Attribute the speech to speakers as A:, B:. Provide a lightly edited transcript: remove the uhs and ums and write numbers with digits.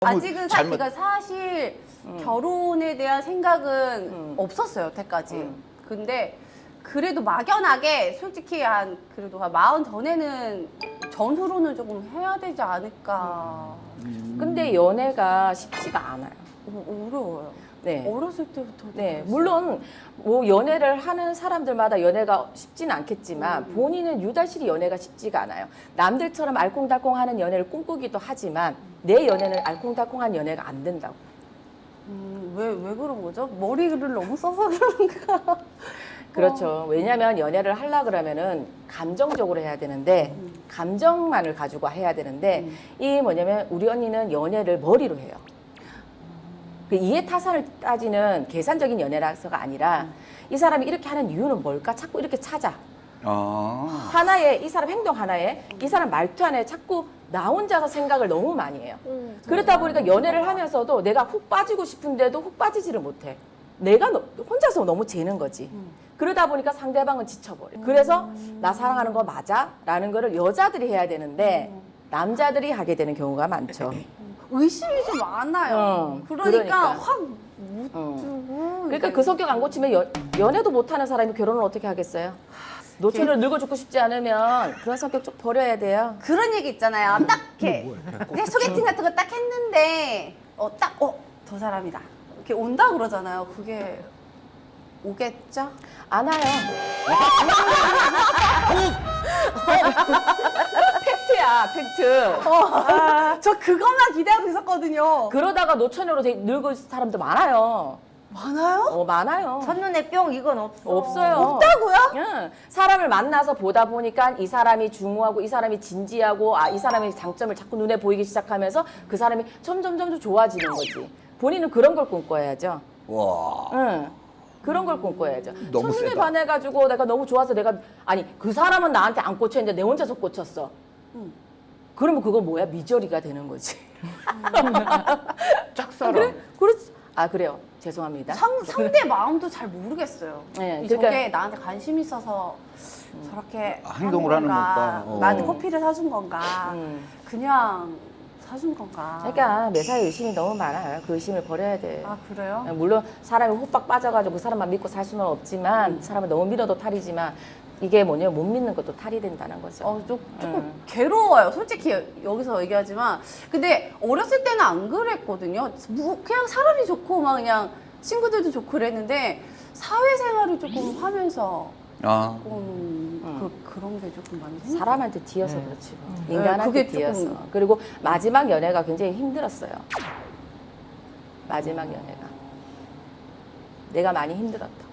A: 아직은
B: 잘못-
A: 그러니까 사실 결혼에 대한 생각은 없었어요, 여태까지. 근데 그래도 막연하게 솔직히 그래도 한 40 전에는 전후로는 조금 해야 되지 않을까.
C: 근데 연애가 쉽지가 않아요.
A: 어려워요.
C: 네.
A: 어렸을 때부터.
C: 네, 물론 뭐 연애를 하는 사람들마다 연애가 쉽지는 않겠지만 본인은 유달리 연애가 쉽지가 않아요. 남들처럼 알콩달콩하는 연애를 꿈꾸기도 하지만 내 연애는 알콩달콩한 연애가 안 된다고.
A: 왜 그런 거죠? 머리를 너무 써서 그런가?
C: 그렇죠. 왜냐하면 연애를 하려 그러면은 감정적으로 해야 되는데 감정만을 가지고 해야 되는데 이 뭐냐면 우리 언니는 연애를 머리로 해요. 그 이해타산을 따지는 계산적인 연애라서가 아니라 이 사람이 이렇게 하는 이유는 뭘까? 자꾸 이렇게 찾아.
B: 아.
C: 하나에 이 사람 행동 하나에 이 사람 말투 하나에 자꾸 나 혼자서 생각을 너무 많이 해요. 그러다 보니까 연애를 하면서도 내가 훅 빠지고 싶은데도 훅 빠지지를 못해. 내가 혼자서 너무 재는 거지. 그러다 보니까 상대방은 지쳐버려. 그래서 나 사랑하는 거 맞아? 라는 거를 여자들이 해야 되는데 남자들이 하게 되는 경우가 많죠.
A: 의심이 좀 많아요. 그러니까 확 묻고.
C: 그러니까 그 성격 안 고치면 연애도 못하는 사람이 결혼을 어떻게 하겠어요? 노처녀를 늙어 죽고 싶지 않으면 그런 성격 좀 버려야 돼요.
A: 그런 얘기 있잖아요. 딱 이렇게 그냥 소개팅 같은 거 딱 했는데 저 사람이다. 이렇게 온다 그러잖아요. 그게 오겠죠?
C: 안 와요. 팩트야, 팩트.
A: 저 그것만 기대하고 있었거든요.
C: 그러다가 노처녀로 늙은 사람도 많아요.
A: 많아요?
C: 많아요.
D: 첫눈에 뿅 이건 없어.
C: 없어요.
A: 없다고요?
C: 응. 사람을 만나서 보다 보니까 이 사람이 중후하고 이 사람이 진지하고 이 사람의 장점을 자꾸 눈에 보이기 시작하면서 그 사람이 점점 좋아지는 거지. 본인은 그런 걸 꿈꿔야죠.
B: 와.
C: 응. 그런 걸 꿈꿔야죠.
B: 너무
C: 첫눈에
B: 세다.
C: 반해가지고 내가 너무 좋아서 아니 그 사람은 나한테 안 꽂혀있는데 내 혼자서 꽂혔어. 그러면 그거 뭐야? 미저리가 되는 거지.
B: 짝사랑.
C: 그래? 그렇지. 그래요. 죄송합니다.
A: 상대 마음도 잘 모르겠어요.
C: 네,
A: 저게
C: 그러니까-
A: 나한테 관심 있어서 저렇게
B: 행동을 하는 건가?
A: 나한테 커피를 사준 건가? 그냥 사준 건가?
C: 그러니까 매사에 의심이 너무 많아요. 그 의심을 버려야 돼.
A: 아 그래요?
C: 물론 사람이 호박 빠져가지고 그 사람만 믿고 살 수는 없지만 사람을 너무 믿어도 탈이지만 이게 뭐냐면 못 믿는 것도 탈이 된다는 거죠.
A: 조금 괴로워요. 솔직히 여기서 얘기하지만 근데 어렸을 때는 안 그랬거든요. 그냥 사람이 좋고 막 그냥 친구들도 좋고 그랬는데 사회생활을 조금 하면서
B: 아.
A: 조금 그런 게 조금 많이 생겼어요.
C: 사람한테 뒤어서 그렇지.
A: 네,
C: 인간한테
A: 그게
C: 뒤어서.
A: 조금-
C: 그리고 마지막 연애가 굉장히 힘들었어요. 마지막 연애가. 내가 많이 힘들었다.